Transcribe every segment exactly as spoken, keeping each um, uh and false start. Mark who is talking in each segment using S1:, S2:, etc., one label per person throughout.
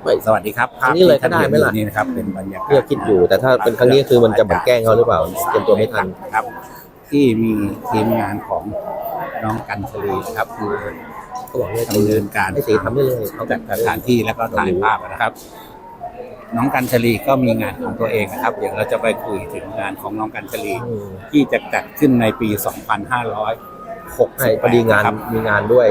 S1: สวัสดีครับ
S2: ครั้งนี้เลยก็ได้ไหมล่ะ
S1: นี่นะครับเป็นบรรยากาศ
S2: เพื่อคิดอยู่แต่ถ้าเป็นครั้งนี้คือมันจะเหมือนแกล้งเขาหรือเปล่าเตรียมตัวไม่ทัน
S1: ครับ ที่มีทีมงานของน้องกันชลีครับคือ
S2: เขาบอกว่า
S1: ดำเนินการ
S2: ให้สีทำได้เลยเขา
S1: จัดสถานที่แล้วก็ถ่ายภาพนะครับ น้องกันชลีก็มีงานของตัวเองนะครับเดี๋ยวเราจะไปคุยถึงงานของน้องกันชลี
S2: อืม
S1: ที่จะจัดขึ้นในปี สองพันห้าร้อยหก
S2: ใช่
S1: สิบ
S2: พอดีงาน
S1: ครับ
S2: มีงานด้วย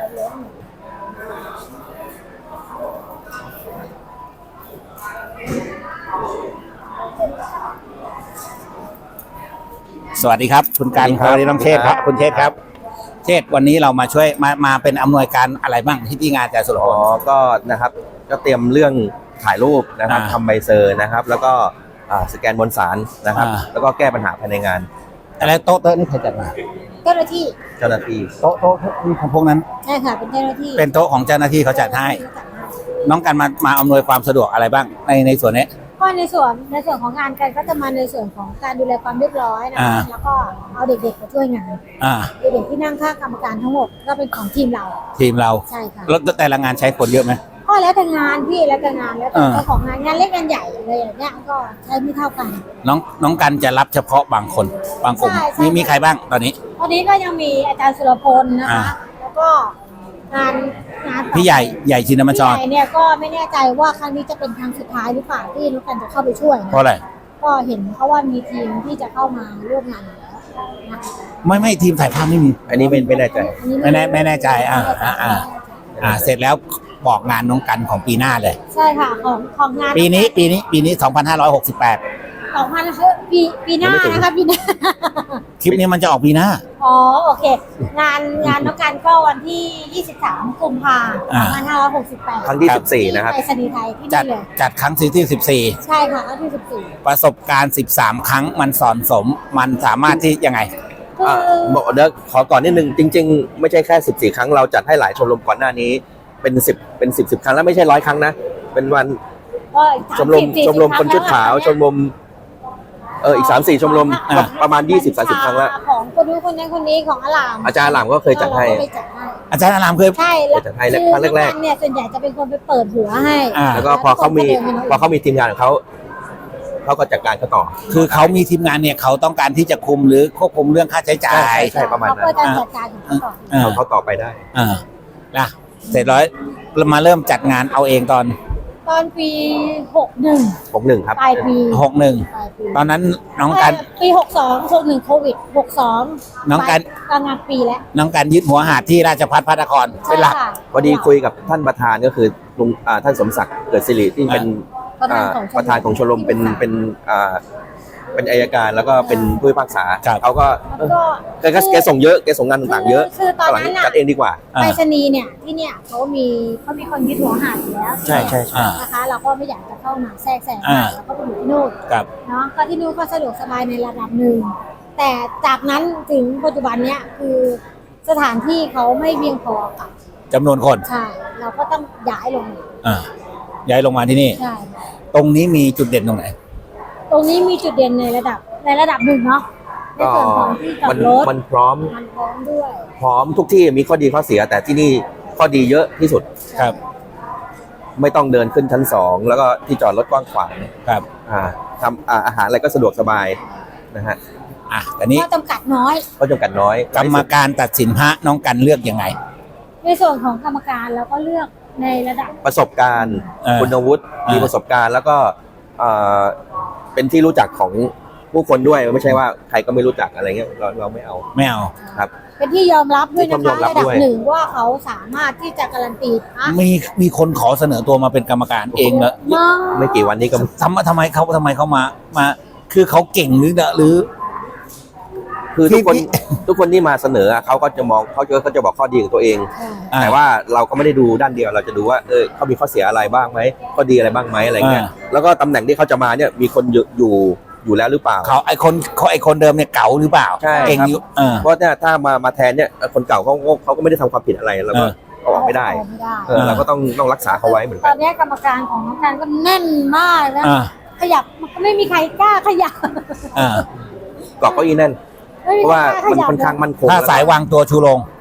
S1: สวัสดีครับคุณการ
S2: สวัสดีครับ
S1: สวัสดีน้องเชษฐ์ครับคุณเชษฐ์ครับเชษฐ์วันนี้เรามาช่วยมามาเป็นอำนวยการอะไรบ้างที่ที่งานอาจารย์สุรพ
S2: อ๋อ
S1: ล
S2: ก็นะครับก็เตรียมเรื่องถ่ายรูปนะครับ
S1: อ่า
S2: ทำใบเซอร์นะครับ แล้วก็อ่าสแกนบนสารนะครับ
S1: อ่า
S2: แล้วก็แก้ปัญหาภายในงาน
S1: อะไรโต๊ะโต๊ะนี่ใครจัดมา
S3: เจ้าหน้าที่
S2: เจ้าหน้าที่
S1: โต๊ะโต๊ะนี่ของพวกนั้น
S3: ใช่ค่ะเป็นเจ้าหน้าที่
S1: เป็นโต๊ะของเจ้าหน้าที่เขาจัดให้ น้องกันมามาอำนวยความสะดวกอะไรบ้างในในส่วนนี้
S3: ก็ในส่วนในส่วนของงานกันก็จะมาในส่วนของการดูแลความเรียบร้อยนะ
S1: อ่า
S3: คะแล้วก็เอาเด็กๆมาช่วยงาน
S1: อ่า
S3: เด็กๆที่นั่งข้างกรรมการทั้งหมดก็เป็นของทีมเรา
S1: ทีมเรา
S3: ใช่ค่ะ
S1: แล้วแต่ละงานใช้คนเยอะไหม
S3: ก็แล้วแต่งานพี่แล้วแต่งานแล้วแต่
S1: อ่า
S3: เจ้าของงานงานเล็กงานใหญ่อะไรอย่างเงี้ยก็ใช้ไม่เท่ากัน
S1: น้องน้องกันจะรับเฉพาะบางคนบางกลุ่ม
S3: ใช่ใช่
S1: มีมีใครบ้างตอนนี้
S3: ตอนนี้ก็ยังมีอาจารย์สุรพลนะ
S1: อ่า
S3: คะแล้วก็งานงานต่อ
S1: พี่ใหญ่ใหญ่ชินมัญช
S3: พี่
S1: ร
S3: ใหญ่เนี่ยก็ไม่แน่ใจว่าครั้งนี้จะเป็นครั้งสุดท้ายหรือเปล่าที่น้องกันจะเข้าไปช่วยนะ
S1: เพราะอะไร
S3: ก็เห็นเขาว่ามีทีมที่จะเข้ามาร่วมงานอยู่แล้วนะคะ
S1: ไม่ไม่ทีมถ่ายภาพไม่มี
S2: อันนี้ไม่ไม่แน่ใจ
S3: อันนี้
S1: ไม่แน่ไม่แน่ใจอ่าอ่าอ่า อ่าเสร็จแล้วบอกงานน้องกันของปีหน้าเลย
S3: ใช่ค่ะของของงาน
S1: ปีนี้ปีนี้ปีนี้สองพันห้าร้อยหกสิบแปด
S3: สองพันปีปีหน้านะคะปีหน้า
S1: คลิปนี้มันจะออกปีหน้า
S3: อ๋อโอเค งานงานน้องกันก็วันที่ยี่สิบสามกุมภาพันธ์ส
S1: อ่า
S3: องพันห้าร้อยหกสิบแปด
S2: ครั้งที่สิบสี่นะครับ
S3: ไปรษณีย์ไทยที่
S1: จัด
S3: นี่เลย
S1: จัดครั้งที่สิบสี่
S3: ใช่ค่ะครั้งที่สิบสี่
S1: ประสบการณ์สิบสามครั้งมันสอนสมมันสามารถที่ยังไง
S3: คื
S2: อ่า
S3: อ
S2: บอกเดี๋ยวขอก่อนนิดนึงจริง ๆ ไม่ใช่แค่สิบสี่ครั้งเราจัดให้หลายชมรมก่อนหน้านี้เป็นสิบเป็นสิบสิบครั้งแล้วไม่ใช่ร้อยครั้งนะเป็นวัน
S3: ก็
S2: ชมรมชมรมคนชุดขาวชมรมเอออีกสามสี่ชมรม
S1: อ่า
S2: ก็ประมาณยี่สิบสามสิบครั้งแล้ว
S3: ของคนนู้นคนนี้คนนี้ของอลาม
S2: อาจารย์หลามก็เคยจัดให้
S3: เราก็ไปจัดให้
S1: อาจารย์อารามเคย
S3: ใช่แล้ว
S2: จัดให้
S3: คือ
S2: ครั้งแรกๆ
S3: น้องเนี่ยส่วนใหญ่จะเป็นคนไปเปิดหัวให้
S1: อ่า
S2: แล้วก็พอเขามีพอเขามีทีมงานของเขาเขาก็จัดการเขาต่อ
S1: คือเขามีทีมงานเนี่ยเขาต้องการที่จะคุมหรือควบคุมเรื่องค่าใช้จ่าย
S2: ใช่ประมาณนั้น
S3: เขาก็จะจัดการของเขาก่อน
S1: อ่า
S2: เขาต่อไปได้
S1: อ่านะเสร็จแล้วมาเริ่มจัดงานเอาเองตอน
S3: ตอนปีหกหนึ่ง
S2: ผมหนึ่งครับ
S3: ปลายปี
S1: หกหนึ่ง
S3: ปลายปี
S1: ตอนนั้นน้องกัน
S3: ปีหกสองหกหนึ่งโควิดหกสอง
S1: น้องกัน
S3: กลางงานปีแล้ว
S1: น้องกันยึดหัวหาดที่ราชพัฒพัฒนครเป็นหลัก
S3: ใช่ค่ะ
S2: พอดีคุยกับท่านประธานก็คือลุงอ่าท่านสมศักดิ์เกิดสิริที่เป็น
S3: ประธาน
S2: อ่า
S3: ของชมรม
S2: ประธานของชมรมเป็นเป็นอ่าเป็นอัยการแล้วก็เป็นผู้พิพากษา
S1: ครับ
S2: เขาก็
S3: แล้วก็
S2: แกก็แกส่งเยอะแกส่งงานต่างๆเยอะ
S3: คือตอนนั้น
S2: หลัง
S3: น่ะ
S2: จัดเองดีกว่า
S1: อ่า
S3: ไปรษณีย์เนี่ยที่เนี่ยเขามีเขามีคนยึดหัวหาดอยู่แล้ว
S2: ใช่ใช่ใช่
S3: นะคะ เราก็ไม่อยากจะเข้ามาแทรกแซง
S1: อ่า
S3: เราก็ไปอยู่ที่นู่น
S1: กับ
S3: เนาะก็ที่นู่นก็สะดวกสบายในระดับหนึ่งแต่จากนั้นถึงปัจจุบันเนี้ยคือสถานที่เขาไม่เพียงพอกับ
S1: จำนวนคน
S3: ใช่เราก็ต้องย้ายลงมา
S1: อ่าย้ายลงมาที่นี่
S3: ใช่
S1: ตรงนี้มีจุดเด่นตรงไหน
S3: ตรงนี้มีจุดเด่นในระดับในระดับหนึ่งเนาะใน
S2: ก็
S3: ส่วนของที่จอ
S2: มั
S3: ด
S2: น
S3: รถ
S2: มันพร้อม
S3: มันพร้อมด้วย
S2: พร้อมทุกที่มีข้อดีข้อเสีย แต่ที่นี่ข้อดีเยอะที่สุด
S1: ครับ
S2: ไม่ต้องเดินขึ้นชั้นสองแล้วก็ที่จอดรถกว้างขวาง
S1: ครับ
S2: อ่าทำอ่าอาหารอะไรก็สะดวกสบายนะฮะ
S1: อ่ะแต่นี้
S3: ข้อจำกัดน้อย
S2: ก็จำกัดน้อย
S1: กรรมการตัดสินพระน้องกันเลือกยังไง
S3: ในส่วนของกรรมการเราก็เลือกในระดับ
S2: ประสบการณ์
S1: เออ
S2: คุณวุฒิ
S1: เออ
S2: มีประสบการณ์แล้วก็เอ่อเป็นที่รู้จักของผู้คนด้วยไม่ใช่ว่าใครก็ไม่รู้จักอะไรเงี้ยเราเราไม่เอา
S1: ไม่เอา
S2: ครับ
S3: เป็นที่ยอมรับด้วย
S2: เป็น
S3: นะ
S2: ที่ยอ
S3: คะ
S2: มรับ
S3: ระดับ
S2: ด้วย
S3: หนึ่งว่าเขาสามารถที่จะการันตีนะ
S1: มีมีคนขอเสนอตัวมาเป็นกรรมการเองเหรอ
S3: มา
S2: ไม่กี่วันนี้ก็
S1: ทำมาทำไมเขาทำไมเขามามา คือเขาเก่งหรือหรือ
S2: คือทุกคน
S1: ที่
S2: ทุกคนที่มาเสนอเขาก็จะมองเขาจะเขาจะบอกข้อดีของตัวเอง
S1: อ่า
S2: แต่ว่าเราก็ไม่ได้ดูด้านเดียวเราจะดูว่าเออเขามีข้อเสียอะไรบ้างไหมข้อดีอะไรบ้างไหมอะไรเงี้ย
S1: อ่า
S2: แล้วก็ตำแหน่งที่เขาจะมาเนี่ยมีคนอยู่อยู่อยู่แล้วหรือเปล่า
S1: เขาไอคนเขาไอคนเดิมเนี่ยเก๋าหรือเปล่า
S2: ใช่
S1: เก่ง
S2: ครับ
S1: อยู่เออ
S2: เพราะเนี่ยถ้ามามาแทนเนี่ยคนเก่าเขาเขาเขาก็ไม่ได้ทำความผิดอะไรเราก็
S1: เออ
S2: เอาออกไม่ได้
S3: เอาไม่ได้
S2: เออเราก็ต้องต้องรักษาเขาไว้เหมือน
S3: ต
S2: กั
S3: อน นนี้กรรมการของน้องการก็แน่นมากนะ
S1: อ่า
S3: ขยับมันก็ไม่มีใครกล้าขยับ
S1: อ่า
S2: เกาะเก้าอี้แน่น
S3: ไม่
S2: เพ
S3: มี
S2: ราะว่า
S3: ใครกล้
S2: มัน
S3: ขยับ
S2: ค่อนข้างมั่นคง
S1: ถ้าสายวางตัวชูโรง
S3: อ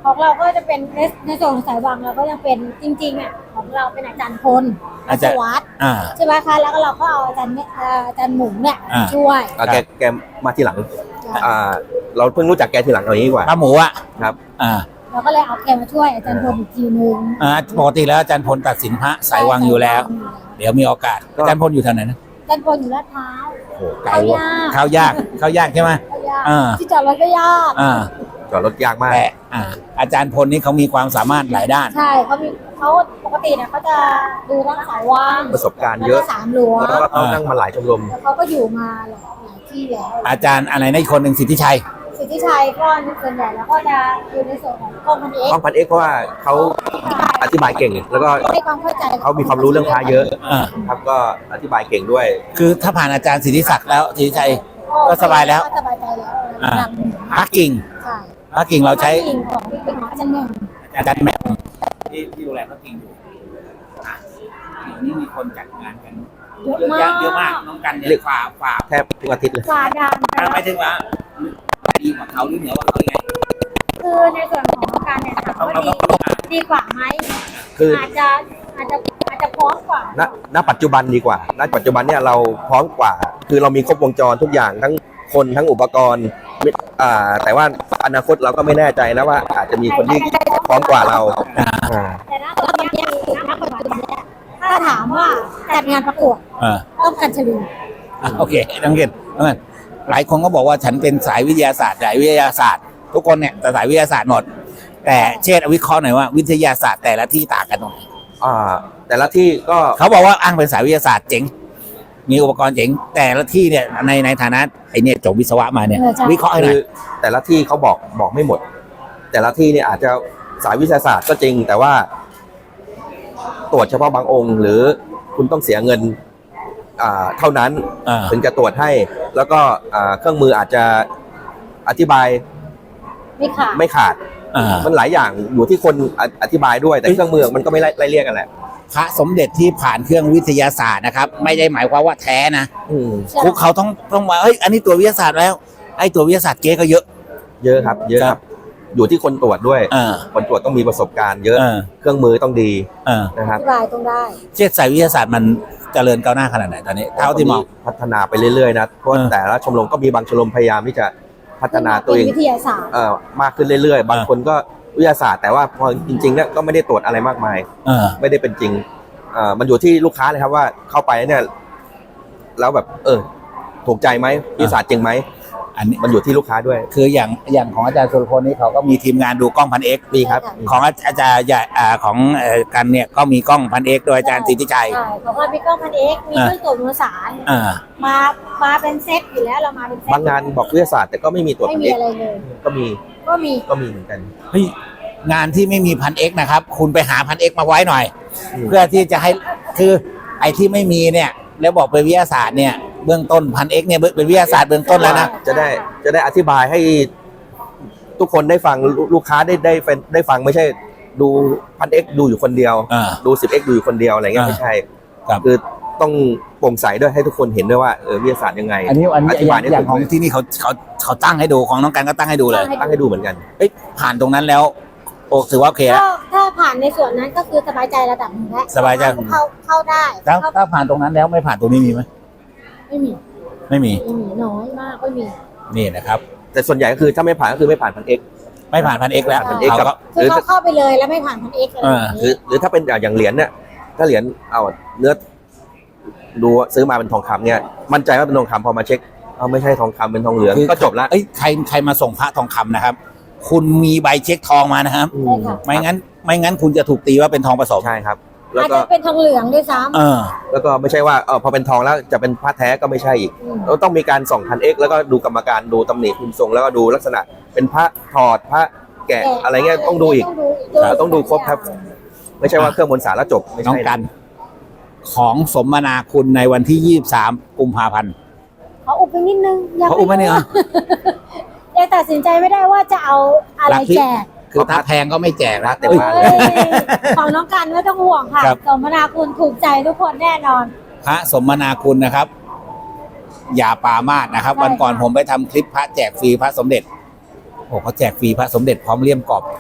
S3: ของเราก็จะเป็นในในส่วนของสายวังเราก็ยังเป็นจริงๆอ่ะของเราเป็นอาจารย์พล
S1: อาจารย์
S3: สวัสดิ์
S1: อ่า
S3: ใช่ไหมคะแล้วก็เราก็เอาอาจารย์เนี่ยเอ่ออาจารย์หมูเนี่ย
S1: อ่า
S3: ช่วย
S2: อ่ะแกแกมาทีหลังอ่าเราเพิ่งรู้จักแกทีหลังเอาอย่างนี้ดีกว่า
S1: ป้าหมูอ่ะ
S2: ครับ
S1: อ่า
S3: เราก็เลยเอาแกมาช่วยอาจารย์พลอีกทีนึง
S1: อ่าปกติแล้วอาจารย์พลตัดสินพระสายวังอยู่แล้ว เดี๋ยวมีโอกาส
S2: ก็
S1: อาจารย์พลอยู่แถวไหนนะ
S3: อาจารย์พลอยู่ลาดพร้าว
S2: โอ้โหไกล
S3: เข้า
S2: ว่ะ
S3: ยาก
S1: เข้ายากเข้ายากใช่ไหม
S3: เข้ายาก
S1: อ่า
S3: ที่จอดรถก็ยาก
S1: อ่า
S2: จอดรถยากมาก
S1: แต่อ่าอาจารย์พลนี่เขามีความสามารถหลายด้าน
S3: ใช่เขามีเขาปกติเนี่ยเขาจะดูทั้งสายว่าง
S2: ประสบการณ์เยอะ
S3: แล้วก็สามหลวง
S2: แล้วก็เขานั่งมาหลายชมรม
S3: แล้วเขาก็อยู่มาหลายหลายที่แล้ว
S1: อาจารย์อะไรนะอีกคนหนึ่งสิทธิชัย
S3: สิทธิชัยก็ส่วนใหญ่แล้วก็จะอยู่ในส่วนของกองพันเอก
S2: ห้องพันเอกเพราะว่าเขาอธิบายเก่ง แล้วก็
S3: ให้ความเข้าใจ
S2: เขามีความรู้เรื่องพระเยอะ
S1: อ่า
S2: ครับก็อธิบายเก่งด้วย
S1: คือถ้าผ่านอาจารย์สิทธิศักดิ์แล้วสิทธิชัย ก็สบายแล้ว
S3: ก็สบายใจแล้ว
S1: อ่า
S3: ระดับหนึ่ง
S1: พระกิ่ง
S3: ใช่
S1: พระกิ่งเราใช้
S3: พะกิ่งของเป็นของอาจารย์หนึ่ง
S1: อาจารย์แหม่มที่ที่ดูแลพระกิ่งอยู่อ่ะเดี๋ยวนี้มีคนจัดงานกัน
S3: เยอะ
S1: เยอะ
S3: มา
S1: แยะ
S3: ก
S1: เยอะมากน้องกันเนี่ยฝ่าฝ่า
S2: แทบทุกอาทิตย์เลย
S3: กว่าดัง
S1: อ่ะไม่ถึงว่าดีกว่าเขาหรือเหนือกว่าเขายังไง
S3: คือในส่วนของการเนี่ยถาม
S1: เรา
S3: ว่า
S1: เรา
S3: ดี
S1: ต้องมา
S3: ดีกว่าไหม
S2: คือ
S3: อาจจะอาจจะอาจจะพร้อมกว่า
S2: ณณปัจจุบันดีกว่า ณ ปัจจุบันเนี่ยเราพร้อมกว่า คือเรามีครบวงจรทุกอย่างทั้งคนทั้งอุปกรณ์อ่าแต่ว่าอนาคตเราก็ไม่แน่ใจนะว่าอาจจะมีคนที่พร้อมกว่าเราอ่า
S3: แต่ณตอนนี้คือณปัจจุบันเนี่ยถ้าถามว่าจัดงานประกวด
S1: อ่า
S3: ต้องกันชลี
S1: อ่ะโอเคน้องเกณฑ์น้องเกณฑ์หลายคนก็บอกว่าฉันเป็นสายวิทยาศาสตร์สายวิทยาศาสตร์ ทุกคนเนี่ยแต่สายวิทยาศาสตร์หมด แต่เช่นวิเคราะห์หน่อยว่าวิทยาศาสตร์แต่ละที่ต่างกันตรงไหน
S2: อ่าแต่ละที่ก็
S1: เขาบอกว่าอ้างเป็นสายวิทยาศาสตร์เจ๋ง มีอุปกรณ์เจ๋ง แต่ละที่เนี่ยในในฐานะไอเนี่ยจบวิศวะมาเนี่ย
S3: เออใช่
S1: วิเคราะห์ให้หน่
S2: คือ อย แต่ละที่เขาบอกบอกไม่หมด แต่ละที่เนี่ยอาจจะสายวิทยาศาสตร์ก็จริง แต่ว่า ตรวจเฉพาะบางองค์ หรือคุณต้องเสียเงินอ่าเท่านั้น
S1: อ่า
S2: ถึงจะตรวจให้ แล้วก็อ่าเครื่องมืออาจจะอธิบาย
S3: ไม่ขาด
S2: ไม่ขาด
S1: อ่า
S2: มันหลายอย่างอยู่ที่คนออธิบายด้วย แต่เครื่องมือมันก็ไม่ไล่ไล่เรียกกันแหละ
S1: พระสมเด็จที่ผ่านเครื่องวิทยาศาสตร์นะครับ ไม่ได้หมายความว่าแท้นะ
S2: อืม
S3: ใช่
S1: คุกเขาต้องต้องมาเฮ้ยอันนี้ตัววิทยาศาสตร์แล้วไอ้ตัววิทยาศาสตร์เก๊ก็เยอะ
S2: เยอะครับ เยอะครับ อยู่ที่คนตรวจด้วย
S1: อ่า
S2: คนตรวจต้องมีประสบการณ์เยอะ
S1: อ่า
S2: เครื่องมือต้องดี
S1: อ่า
S2: นะค
S3: อ
S2: รับ
S3: ธิบายต้องได้
S1: เช่นสายวิทยาศาสตร์มันเจริญก้าวหน้าขนาดไหนตอนนี้เท่าที่มอง
S2: พัฒนาไปเรื่อยๆนะเพราะ
S1: เออ
S2: แต่ละชมรมก็มีบางชมรมพยายามที่จะพัฒนาตัวเอง
S3: เป็นวิทยาศาสตร์
S2: เอ่อมากขึ้นเรื่อยๆ บางคนก็วิทยาศาสตร์แต่ว่าพอจริงๆเนี่ยก็ไม่ได้ตรวจอะไรมากมาย
S1: เออ
S2: ไม่ได้เป็นจริงเอ่อมันอยู่ที่ลูกค้าเลยครับว่าเข้าไปเนี่ยแล้วแบบ เออ ถูกใจไหมวิทยาศาสตร์จริงไหม
S1: อันนี้
S2: มันอยู่ที่ลูกค้าด้วย
S1: คืออย่างอย่างของอาจารย์สุรพลนี่เขาก็มีทีมงานดูกล้องพันเอ็ก
S2: มีครับ
S1: ของอาจารย์ใหญ่อ่าของเอ่อกันเนี่ยก็มีกล้องพันเอ็กโดยอาจารย์สิทธิชัย
S3: ใช่ของเรามีกล้องพันเอ็กซ์มีเครื่องตรวจมวลสาร
S1: อ่า
S3: มา มาเป็นเซตอยู่แล้วเรามาเป็นเซต
S2: บางงานบอกวิทยาศาสตร์แต่ก็ไม่มีตรวจ
S3: ไม่
S2: พัน
S3: มี
S2: เอก
S3: อะไรเลย
S2: ก็มี
S3: ก็มี
S2: ก็มีเหมือนกัน
S1: เฮ้ยงานที่ไม่มีพันเอ็กนะครับ คุณไปหาพันเอ็กมาไว้หน่อย
S2: อืม
S1: เพื่อที่จะให้คือไอ้ที่ไม่มีเนี่ยแล้วบอกเป็นวิทยาศาสตร์เนี่ยเบื้องต้นพันเอ็กเนี่ยเป็นวิทยาศาสตร์เบื้องต้นแล้วนะ
S2: จะได้จะได้อธิบายให้ทุกคนได้ฟังลูลูกค้าได้ได้ได้ได้ฟังไม่ใช่ดูพันเอ็กดูอยู่คนเดียว
S1: อ่า
S2: ดูสิบเอ็กดูอยู่คนเดียวอะไรเงี้ย
S1: อ่า
S2: ไม่ใช่
S1: ครับ
S2: คือต้องโปร่งใสด้วยให้ทุกคนเห็นด้วยว่าเออวิทยาศาสตร์ยังไง
S1: อันนี้อันนี้
S2: อธิบายได้
S1: อย่าง
S2: ถูก
S1: ของที่นี่เขาเขาเขาตั้งให้ดูของน้องกันก็ตั้งให้ดูเลย
S2: ตั้งให้ดูเหมือนกัน
S1: เอ้ยผ่านตรงนั้นแล้วโอ้ถือว่าโอเคแล้ว
S3: ก็ถ้าผ่านในส่วนนั้นก็คือสบายใจระดับหนึ่งแล้ว
S1: สบายใจ
S3: เข้าเข้าได้
S1: ถ้า
S3: เข้า
S1: ถ้าผ่านตรงนั้นแล้วไม่ผ่านตรงนี้มีไหม
S3: ไม่มี
S1: ไม่มี
S3: ไม่มีน้อยมากไม่มี
S1: นี่นะครับ
S2: แต่ส่วนใหญ่ก็คือถ้าไม่ผ่านก็คือไม่ผ่านพันเอ็ก
S1: ไม่ผ่านพันเอ็กแล้ว
S2: พัน X
S1: เขา
S2: กับ
S1: ก็
S3: คือเขาเข้าไปเลยแล้วไม่ผ่านพันเอ็กซ์อะไรอย่าง
S2: หรือ
S3: นี้
S2: หรือถ้าเป็นอย่างเหรียญเนี่ยถ้าเหรียญเอาเนื้อดูซื้อมาเป็นทองคำเนี่ยมั่นใจว่าเป็นทองคำพอมาเช็คเอาไม่ใช่ทองคำเป็นทองเหลือง
S1: คือ
S2: ก็จบละ
S1: เอ้ยใครใครมาส่งพระทองคำนะครับ คุณมีใบเช็คทองมานะครับ
S2: อื
S3: ใช่
S2: ม
S3: ค่ะ
S1: ไม่งั้นไม่งั้นคุณจะถูกตีว่าเป็นทองผสม
S2: ใช่ครับ แล้ว
S3: อาจ
S2: ก็
S3: จะเป็นทองเหลืองด้วยซ้
S1: เออ
S2: แล้วก็ไม่ใช่ว่าเออพอเป็นทองแล้วจะเป็นพระแท้ก็ไม่ใช่อีก
S3: ำอืม
S2: เราต้องมีการส่องพันเอ็กแล้วก็ดูกรรมการดูตำหนิพิมพ์ทรงแล้วก็ดูลักษณะเป็นพระถอดพระแกะอะไรเงี้ยต้องดูอีก
S3: ต้องดู
S2: ครับต้องดูครบครับ ไม่ใช่ว่าเครื่องมนต์สารแล้วจบไม่
S1: น้อง
S2: ใช่
S1: กัน ของสมนาคุณในวันที่ยี่สิบสามกุมภาพันธ์
S3: เขาอุบไปนิดนึงยัง
S1: เขาอุ้มไหมเนี่ย
S3: ยังตัดสินใจไม่ได้ว่าจะเอาอะไร
S1: ลัทธิ
S3: แจก
S1: คือถ้าแพงก็ไม่แจกนะ
S2: เต็ม
S1: เอ้ย
S2: บ้าน
S3: เอ้ยของน้องกันไม่ต้องห่วงค่ะ
S1: ครับ
S3: สมนาคุณถูกใจทุกคนแน่นอน
S1: พระสมนาคุณนะครับ อย่าปรามาสนะครับ
S3: ใช่
S1: วันก่อน
S3: ค่ะ
S1: ผมไปทำคลิปพระแจกฟรีพระสมเด็จโอ้เขาแจกฟรีพระสมเด็จพร้อมเลี่ยมกรอบ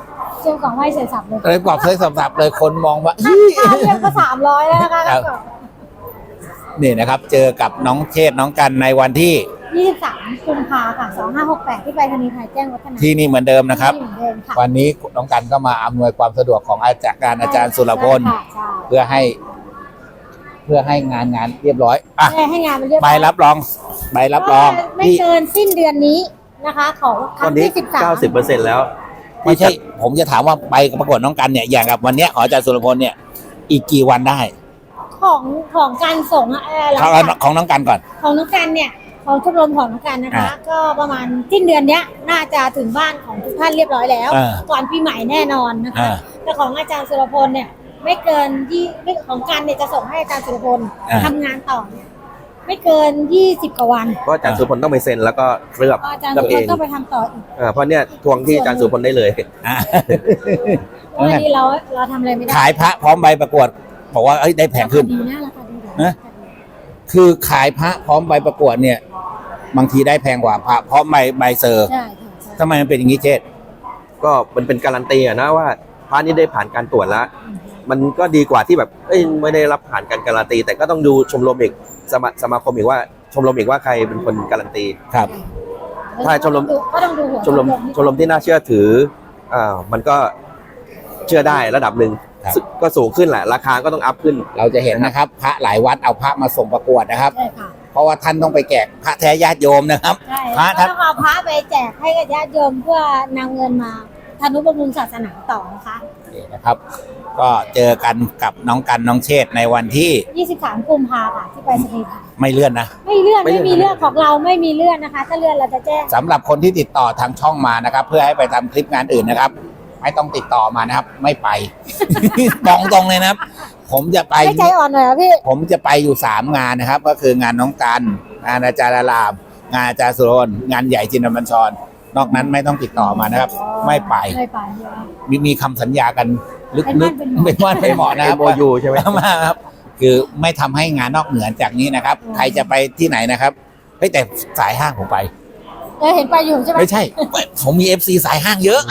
S3: ชิญของไหว้เสร็จสับเลย
S1: เลยบอกเลยสับๆเลยคนมองว่า
S3: ค่าค่าเรียกก็สามร้อยแล้วนะคะ
S1: ครับ นี่นะครับ เจอกับน้องเชษฐ์น้องกันในวันที่
S3: ยี่สิบสามกุมภาค่ะสองห้าหกแปดที่ไปรษณีย์ไทยแจ้งวัฒนะ
S1: ที่นี่เหมือนเดิมนะครับ
S3: ที่เหมือนเดิมค่ะ
S1: วันนี้น้องกันก็มาอำนวยความสะดวกของอาจารย์การอาจารย์สุรพล
S3: ใช่ค่ะ
S1: เพื่อให้ เพื่อให้งานงานเรียบร้อยอ่ะ
S3: ใช่ให้งานมันเรียบ
S1: ใบ
S3: ร้อย
S1: รับรองใบรับรอง
S3: ไม่
S1: ที่
S3: เกินสิ้นเดือนนี้นะคะ ของค
S2: ตอ
S3: รั้
S2: น
S3: ง
S2: นี้
S3: ที่สิบสาม
S2: เก้าสิบเปอร์เซ็นต์แล้ว
S1: ไม่ใช่ ผมจะถามว่าใบประกวดน้องกันเนี่ยอย่างกับวันเนี้ยของอาจารย์สุรพลเนี่ย อีกกี่วันได้
S3: ของของการส่งเอ่อหลัง
S1: ของ
S3: จาก
S1: ของน้องกันก่อน
S3: ของน้องกันเนี่ยของชมรมของน้องกันนะคะ
S1: อ่า
S3: ก็ประมาณสิ้นเดือนเนี้ยน่าจะถึงบ้านของทุกท่านเรียบร้อยแล้ว
S1: อ่า
S3: ก่อนปีใหม่แน่นอนนะคะ
S1: อ่า
S3: แต่ของอาจารย์สุรพลเนี่ยไม่เกินที่ไม่ของกันเนี่ยจะส่งให้อาจารย์สุรพล
S1: อ่า
S3: ทำงานต่อเนี่ยไม่เกินยี่สิบกว่าวัน
S2: เพราะอาจารย์สุพลต้องไปเซ็นแล้วก็เคลือบ
S3: ก็อาจารย์
S2: เคลื
S3: สุ
S2: อบ
S3: รพ
S2: เอ
S3: ล
S2: ง
S3: ก็ไปทำต่ออีก
S2: อ่าเพราะเนี่ยทวงที่อาจารย์สุพลได้เลย
S1: อ่ะ
S3: เพราะวันนี้เราเราทำอะไรไม่ได้
S1: ขายพระพร้อมใบประกวดบอกว่าเอ้ยได้แพงขึ้น
S3: ราคาดีนะราคาดี
S1: นะ คือขายพระพร้อมใบประกวดเนี่ย บางทีได้แพงกว่าพระพร้อมใบใบเซอร์
S3: ใช่ค่ะใช่
S1: ทำไมมันเป็นอย่างนี้เจษ
S2: ก็มันเป็นการันตีอะนะว่าพระนี้ได้ผ่านการตรวจแล้ว มันก็ดีกว่าที่แบบเอ้ยไม่ได้รับผ่านการการันตี แต่ก็ต้องดูชมรมอีกสมาสมาคมอีกว่าชมรมอีกว่าใครเป็นคนการันตี
S1: ครับ
S2: ถ้าชมรม
S3: ก็ต้องดูหัว
S2: ชมรมชมรมที่น่าเชื่อถืออ่ามันก็เชื่อได้ระดับหนึ่ง
S1: ครับ
S2: ซึ่งก็สูงขึ้นแหละ ราคาก็ต้องอัพขึ้น
S1: เราจะเห็นนะครับ พระหลายวัดเอาพระมาส่งประกวดนะครับ
S3: ใช่ค่ะ
S1: เพราะว่าท่านต้องไปแจกพระแท้ญาติโยมนะครับ
S3: ใช่
S1: พระ
S3: ก็
S1: ท่าน
S3: ต้องเอาพระไปแจกให้กับญาติโยมเพื่อนำเงินมาทนุบำรุงศาสนาต่อนะคะ
S1: นี่นะครับ ก็เจอกันกับน้องกันน้องเชษฐ์ในวันที่
S3: ยี่สิบสามกุมภาค่ะที่ไปสนีย์ไทย
S1: ไม่เลื่อนนะ
S3: ไม่เลื่อน
S2: ไม่
S3: ไม่
S2: เลื่อน
S3: มีเลื่อนของเราไม่มีเลื่อนนะคะ ถ้าเลื่อนเราจะแจ้ง
S1: สำหรับคนที่ติดต่อทางช่องมานะครับ เพื่อให้ไปทำคลิปงานอื่นนะครับ ไม่ต้องติดต่อมานะครับ ไม่ไป บอกตรงเลยนะครับ ผมจะไป
S3: ให้ใจอ่อนหน่อยเหรอพี่
S1: ผมจะไปอยู่สามงานนะครับ ก็คืองานน้องกันงานอาจารย์อาราม งานอาจารย์สุรพลงานใหญ่จินดาบัญชร นอกนั้นไม่ต้องติดต่อมานะครับ ไม่ไป
S3: ไม่ไปใช่ไหม
S1: มีมีคำสัญญากันลึ
S3: เป็นมั่
S1: ก
S3: นเป็นห
S1: ๆ
S3: มอ
S1: เป็นว่าเป็นหมอนะครับ
S2: เอ็ม โอ ยู ใช่ไหม
S1: มากครับ คือไม่ทำให้งานนอกเหนือจากนี้นะครับ ใครจะไปที่ไหนนะครับเฮ้ยแต่สายห้างผมไป
S3: เออเห็นไปอยู่ใช่ไหม
S1: ไม่ใช่ ผมมีเอฟซีสายห้างเยอะ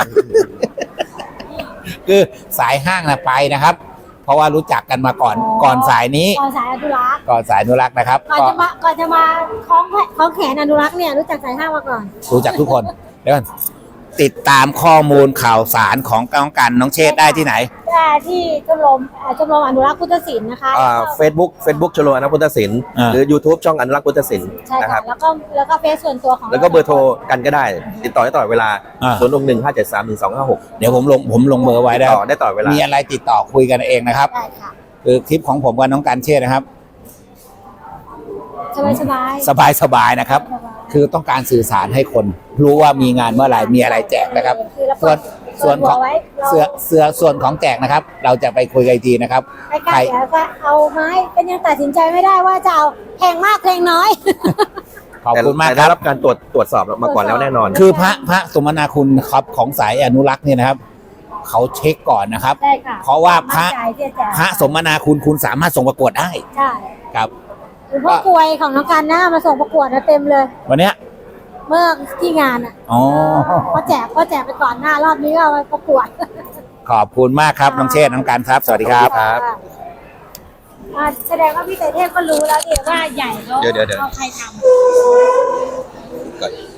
S1: คือสายห้างนะไปนะครับ เพราะว่ารู้จักกันมาก่อน ก่อนสายนี้
S3: ก่อนสายอนุรักษ์
S1: ก่อนสายอนุรักษ์นะครับ
S3: ก่อน
S1: ก็
S3: จะมาก่อนจะมาคล้องแขนคล้องแขนอนุรักษ์เนี่ยรู้จักสายห้ามาก่อน
S1: รู้จักทุกคนเดี๋ยวก่อนติดตามข้อมูลข่าวสารของน้องกันน้องเชษฐ์ได้ที่ไหน
S3: ได้ที่ชมรมเอ่อชมรมอนุรักษ์พุทธศิลป์นะคะ
S2: อ่าเฟซบุ๊กเฟซบุ๊กชโลอนุพุทธศิลป์
S1: อ่า
S2: หรือ YouTube ช่องอนุรักษ์พุทธศิลป์
S3: ใช่
S2: นะค
S3: ค่ะ
S2: รับ
S3: แล้วก็แล้วก็เฟซส่วนตัวของ
S2: แล้วก็เบอร์โทรกันก็ได้ ติดต่อได้ตลอดเวลา
S1: อ่า
S2: ศูนย์หกหนึ่งห้าเจ็ดสามหนึ่งสองห้าหก
S1: เดี๋ยวผมลงผมลงเบอร์ไว้
S2: ติด
S1: ได้
S2: ต่อได้ตลอดเวลา
S1: มีอะไรติดต่อคุยกันเองนะครับ
S3: ได้ค่ะ
S1: คือคลิปของผมกับน้องกันเชษฐ์นะครับ
S3: สบายสบาย
S1: สบายสบายๆนะครับ คือต้องการสื่อสารให้คน รู้ว่ามีงานเมื่อไหร่มีอะไรแจกนะครับ
S3: คือเรา
S1: ส่วนส่วนของ
S3: ไว้เรา
S1: เสือเสือส่วนของแจกนะครับ เราจะไปคุยกันอีกทีนะครับ
S3: ใกล้ๆเดี๋ยวก็เอาไม้ก็ยังตัดสินใจไม่ได้ว่าจะเอาแพงมากแพงน้อย
S1: ขอบ
S2: แต่
S1: คุณมาก
S2: แต่
S1: ค
S2: ได้
S1: รับ
S2: รับการตรวจตรวจสอบมาก่อนแล้วแน่นอน
S1: คือพระพระสมนาคุณครับของสายอนุรักษ์เนี่ยนะครับ เขาเช็คก่อนนะครับ
S3: ได้ค่ะ
S1: เพราะว่าพระ
S3: มั่นใจที่จะ
S1: พระสมนาคุณคุณสามารถส่งประกวดได้
S3: ใช่
S1: ครับ
S3: หรือพวกกลวยของน้องกันนะมาส่งประกวดนะเต็มเลย
S1: วันเนี้ย
S3: เมื่อที่งานอ่ะ
S1: อ๋อ
S3: ก็แจกก็แจกไปก่อนหน้ารอบนี้ก็เอาไปประกวด
S1: ขอบคุณมากครับน้องเชษฐ์น้องการครับ สวัสดีครับ
S2: ครับ
S3: อ่าแสดงว่าพี่เตเทพก็รู้แล้วดิว่าใหญ่เขา
S2: เดี๋ยวเดี๋ยวเดี๋ยว
S3: เอาใครทำ
S2: ก่อน